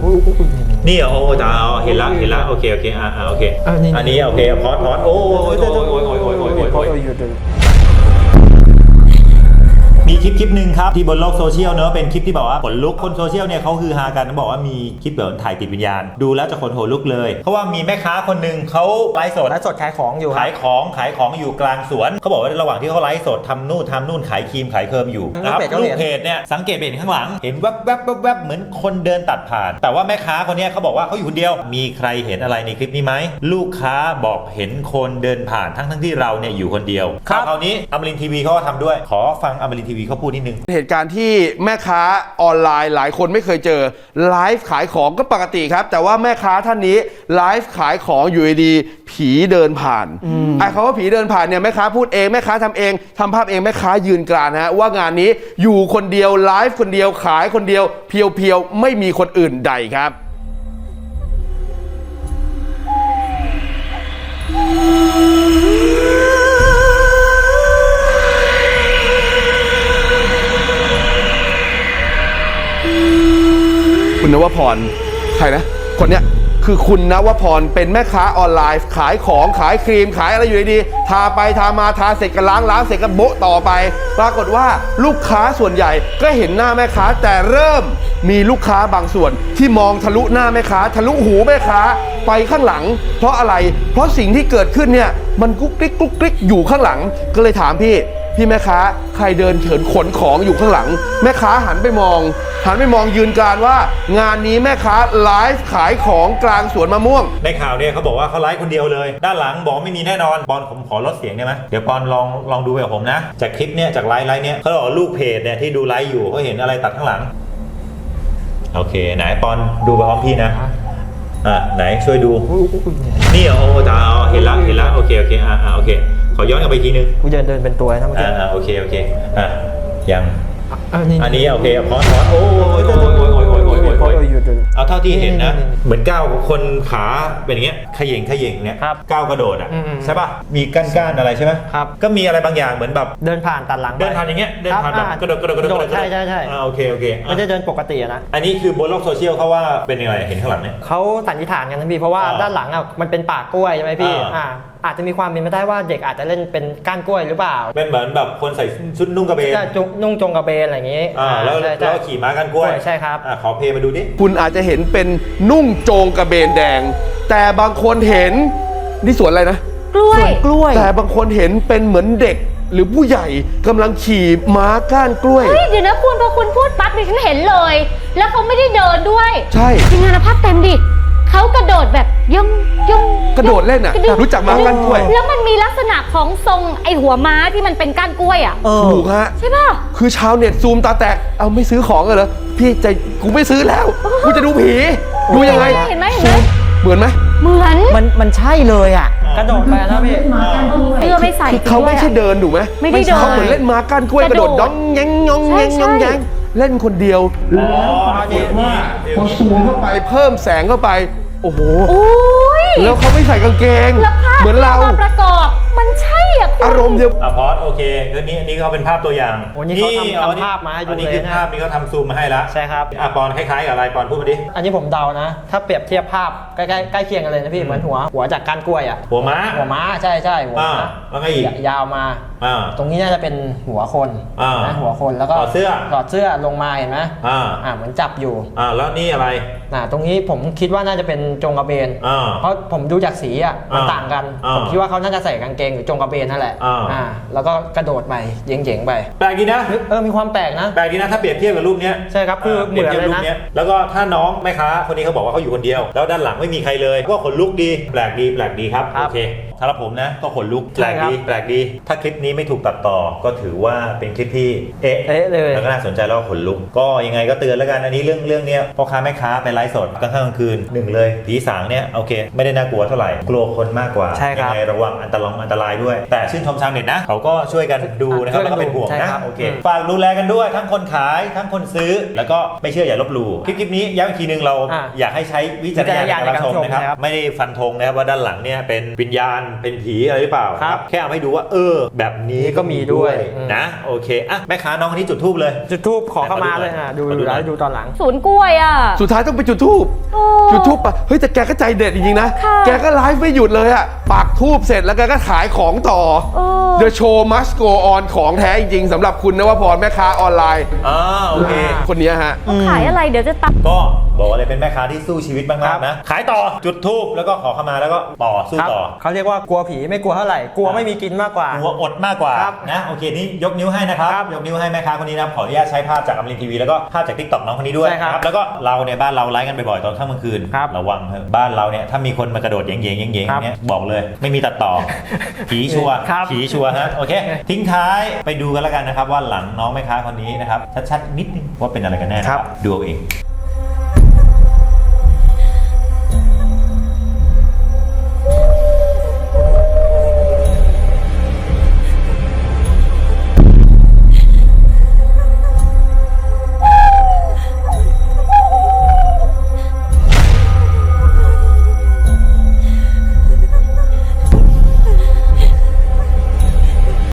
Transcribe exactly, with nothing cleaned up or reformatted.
นี่โอ้จ้าเห็นละเห็นละโอเคโอเคอ่าโอเคอันนี้โอเคพอดพอดโอ้ยโอ้ยโอ้ยโอ้ยโอ้ยโอ้ยโอ้ยมีคลิปคลิปหนึ่งครับที่บนโลกโซเชียลเนอะเป็นคลิปที่บอกว่าขนลุกคนโซเชียลเนี่ยเขาฮือฮากันบอกว่ามีคลิปแบบถ่ายติดวิญญาณดูแล้วจะขนหัวลุกเลยเพราะว่ามีแม่ค้าคนหนึ่งเขาไลฟ์สดไลฟ์สดขายของอยู่ขายของขายของอยู่กลางสวนเขาบอกว่าระหว่างที่เขาไลฟ์สดทำนู่นทำนู่นขายครีมขายเคิร์มอยู่นะครับลูกเพจเนี่ยสังเกตเห็นข้างหลังเห็นแวบแวบแวบแวบเหมือนคนเดินตัดผ่านแต่ว่าแม่ค้าคนนี้เขาบอกว่าเขาอยู่คนเดียวมีใครเห็นอะไรในคลิปนี้ไหมลูกค้าบอกเห็นคนเดินผ่านทั้งทั้งที่เราเนี่ยอยู่คนเดียวคราวนี้อมรินทร์ทีวีเขาก็ทำด้วยขอฟังอมรินทร์ทีวีเขาพูดนิดนึงเหตุการณ์ที่แม่ค้าออนไลน์หลายคนไม่เคยเจอไลฟ์ขายของก็ปกติครับแต่ว่าแม่ค้าท่านนี้ไลฟ์ขายของอยู่ดีผีเดินผ่านไอ้คำว่าผีเดินผ่านเนี่ยแม่ค้าพูดเองแม่ค้าทำเองทำภาพเองแม่ค้ายืนกรานฮะว่างานนี้อยู่คนเดียวไลฟ์คนเดียวขายคนเดียวเพียวๆไม่มีคนอื่นใดครับคุณนวพรใครนะคนเนี้ยคือคุณนวพรเป็นแม่ค้าออนไลน์ขายของขายครีมขายอะไรอยู่ดีๆทาไปทามาทาเสร็จก็ล้างล้างเสร็จก็โบ๊ะต่อไปปรากฏว่าลูกค้าส่วนใหญ่ก็เห็นหน้าแม่ค้าแต่เริ่มมีลูกค้าบางส่วนที่มองทะลุหน้าแม่ค้าทะลุหูแม่ค้าไปข้างหลังเพราะอะไรเพราะสิ่งที่เกิดขึ้นเนี่ยมันกุ๊กกิ๊กกุ๊กกิ๊กอยู่ข้างหลังก็เลยถามพี่พี่แม่ค้าใครเดินเฉินขนของอยู่ข้างหลังแม่ค้าหันไปมองหันไปมองยืนกรานว่างานนี้แม่ค้าไลฟ์ขายของกลางสวนมะม่วงในข่าวเนี่ยเขาบอกว่าเขาไลฟ์คนเดียวเลยด้านหลังบอกไม่มีแน่นอนปอนผมขอลดเสียงได้ไหมเดี๋ยวปอนลองลองดูไปกับผมนะจากคลิปเนี่ยจากไลฟ์ไลฟ์เนี่ยเขาบอกลูกเพจเนี่ยที่ดูไลฟ์อยู่เขาเห็นอะไรตัดข้างหลังโอเคไหนปอนดูไปพร้อมพี่นะอ่ะไหนช่วยดูนี่โอ้จ้าเห็นละเห็นละโอเคโอเคอ่าโอเคขอย้อนกลับไปทีนึงกูเดินเดินเป็นตัวนะเมื่อกี้อ่าโอเคโอเคอ่ะยังอันนี้โอเคพอสพอสโอ้ยโอ้ยโอ้ยโอ้ยโอ้ยโอ้ยโอ้ยโอ้ยเอาเท่าที่เห็นนะเหมือนก้าวคนขาเป็นอย่างเงี้ยขย่งขย่งเนี่ยก้าวกระโดดอ่ะใช่ป่ะมีก้านก้านอะไรใช่ไหมครับก็มีอะไรบางอย่างเหมือนแบบเดินผ่านตัดหลังเดินผ่านอย่างเงี้ยเดินผ่านแบบกระโดดกระโดดกระโดดใช่ใช่ใช่โอเคโอเคไม่ได้เดินปกตินะอันนี้คือบนโลกโซเชียลเขาว่าเป็นยังไงเห็นข้างหลังเนี่ยเขาสันนิษฐานกันนะพี่เพราะว่าด้านหลังอ่ะมันเป็นป่ากล้วยใช่ไหมพี่อ่าอาจจะมีความเป็นไปได้ว่าเด็กอาจจะเล่นเป็นก้านกล้วยหรือเปล่าเป็นเหมือนแบบคนใส่ชุดนุ่งกระเบนนุ่งจงกระเบนอะไรอย่างงี้อ่าแล้วแล้วขี่ม้าก้านกล้วยใช่ครับอ่าขอเพลย์มาดูดิคุณอาจจะเห็นเป็นนุ่งโจงกระเบนแดงแต่บางคนเห็นนี่สวนอะไรนะกล้วยกล้วยแต่บางคนเห็นเป็นเหมือนเด็กหรือผู้ใหญ่กำลังขี่ม้าก้านกล้วยเฮ้ยเดี๋ยวนะคุณพอคุณพูดปั๊บดิฉันเห็นเลยแล้วเขาไม่ได้เดินด้วยใช่ทีมงานภาพเต็มดิเขากระโดดแบบย่องย่องกระโดดเล่นอ่ะรู้จักม้าก้านกล้วยแล้วมันมีลักษณะของทรงไอหัวม้าที่มันเป็นก้านกล้วยอ่ะถูกฮะใช่ป่ะคือชาวเน็ตซูมตาแตกเอาไม่ซื้อของเลยเหรอพี่ใจกูไม่ซื้อแล้วกูจะดูผีดูยังไงเห็นไหมเห็นไหมเหมือนไหมเหมือนมันมันใช่เลยอ่ะกระโดดไปนะพี่เสื้อไม่ใส่เขาไม่ใช่เดินถูกไหมไม่ได้เดินเขาเหมือนเล่นม้าก้านกล้วยกระโดดด้องแยงยองแยงยองแยงเล่นคนเดียวแล้วปรากฏว่าพอซูมเข้าไปเพิ่มแสงเข้าไปโอ้โหแล้วเขาไม่ใส่กางเกงเหมือนเราประกอบมันใช่อ่ะอารมณ์เดียวอ่ะพอสโอเคคือนี้อันนี้เขาเป็นภาพตัวอย่างนี่เขาทำภาพมาให้ดูเลยนะอันนี้คือภาพนี้เขาทำซูมมาให้แล้วใช่ครับอ่ะปอนคล้ายๆกับอะไรปอนพูดมาดิอันนี้ผมเดานะถ้าเปรียบเทียบภาพใกล้ๆใกล้เคียงกันเลยนะพี่เหมือนหัวหัวจากก้านกล้วยอ่ะหัวม้าหัวม้าใช่ใช่หัวม้าแล้วก็อีกยาวมาตรงนี้น่าจะเป็นหัวคนนะหัวคนแล้วก็ถอดเสื้อถอดเสื้อลงมาเห็นไหมอ่าอ่าเหมือนจับอยู่อ่าแล้วนี่อะไรอ่าตรงนี้ผมคิดว่าน่าจะเป็นจงกระเบนเพราะผมดูจากสีอ่ะมันต่างกันผมคิดว่าเขาน่าจะใส่กางเกงหรือจงกระเบนนั่นแหละอ่าแล้วก็กระโดดไปเย่งๆไปแปลกดีนะเออมีความแปลกนะแปลกดีนะถ้าเปรียบเทียบกับรูปนี้ใช่ครับคือเหมือนเลยนะแล้วก็ถ้าน้องแม่ค้าคนนี้เขาบอกว่าเขาอยู่คนเดียวแล้วด้านหลังไม่มีใครเลยก็ขนลุกดีแปลกดีแปลกดีครับโอเคสำหรับผมนะก็ขนลุกแปลกดีแปลกดีถ้าคลิปนี้ไม่ถูกตัดต่อก็ถือว่าเป็นคลิปที่เอ๊ะเลยแล้วก็น่าสนใจแล้วก็ขนลุกก็ยังไงก็เตือนแล้วกันอันนี้เรื่องเรื่องเนี้ยพ่อค้าแม่ค้าไปไลฟ์สดกลางค่ำกลางคืนหนึ่งเลยผีสางเนี่ยโอเคไม่ได้น่ากลัวเท่าไหร่กลัวคนมากกว่ายังไงระวังอันตรายอันตรายด้วยแต่ชื่นชมชาวเน็ตนะเขาก็ช่วยกันดูนะครับแล้วก็เป็นห่วงนะโอเคฝากดูแลกันด้วยทั้งคนขายทั้งคนซื้อแล้วก็ไม่เชื่ออย่าลบหลู่คลิปคลิปนี้ย้ำอีกทีนึงเราอยากให้ใช้วิจารณญาณในการรับชมนะครับไม่ได้ฟันธงนะครับว่าด้านหลังเนี่ยเป็นวิญญาณเป็นผีอะไรหรือเปล่าครับแค่เอาให้ดูว่าเออแบบนี้ก็มีด้วยอืมนะโอเคอ่ะแม่ค้าน้องคนนี้จุดธูปเลยจุดทูบขอเข้ามาเลยนะดูขอดูดูหน่อยแล้วดูตอนหลังศูนย์กล้วยอ่ะสุดท้ายต้องไปจุดทูบโอ้จุดทูบปะเฮ้ยแต่แกก็ใจเด็ดจริงๆนะค่ะแกก็ไลฟ์ไม่หยุดเลยอะปักทูบเสร็จแล้วแกก็ขายของต่อเออ The show must go on ของแท้จริงๆสำหรับคุณนวพรแม่ค้าออนไลน์อ่าโอเคคนเนี้ยฮะเขาขายอะไรเดี๋ยวจะตัดก็บอกเลยเป็นแม่ค้าที่สู้ชีวิตมากๆนะ ขายต่อจุดธูปแล้วก็ขอเข้ามาแล้วก็ต่อสู้ครับต่อเขาเรียกว่ากลัวผีไม่กลัวเท่าไหร่กลัวไม่มีกินมากกว่ากลัวอดมากกว่าครับนะโอเคนี่ยกนิ้วให้นะครับครับยกนิ้วให้แม่ค้าคนนี้นะครับขออนุญาตใช้ภาพจากอมรินทร์ทีวีแล้วก็ภาพจากทิกตอกน้องคนนี้ด้วยใช่ครับนะแล้วก็เราเนี่ยบ้านเราไลฟ์กันบ่อยๆตอนค่ำกลางคืนครับระวังเถอะบ้านเราเนี่ยถ้ามีคนมากระโดดเย้งๆเย้งๆอย่างครับเงี้ยบอกเลยไม่มีตัดต่อ ผีชัวร์ครับผีชัวร์ฮะโอเค ทิ้งท้ายไปดูกันแล้วกันนะครับว่าหลังน้องแม่ค้าคนนี้นะครับชัดๆนิดนึงว่าเป็นอะไรกันแน่นะครับดูเอาเอง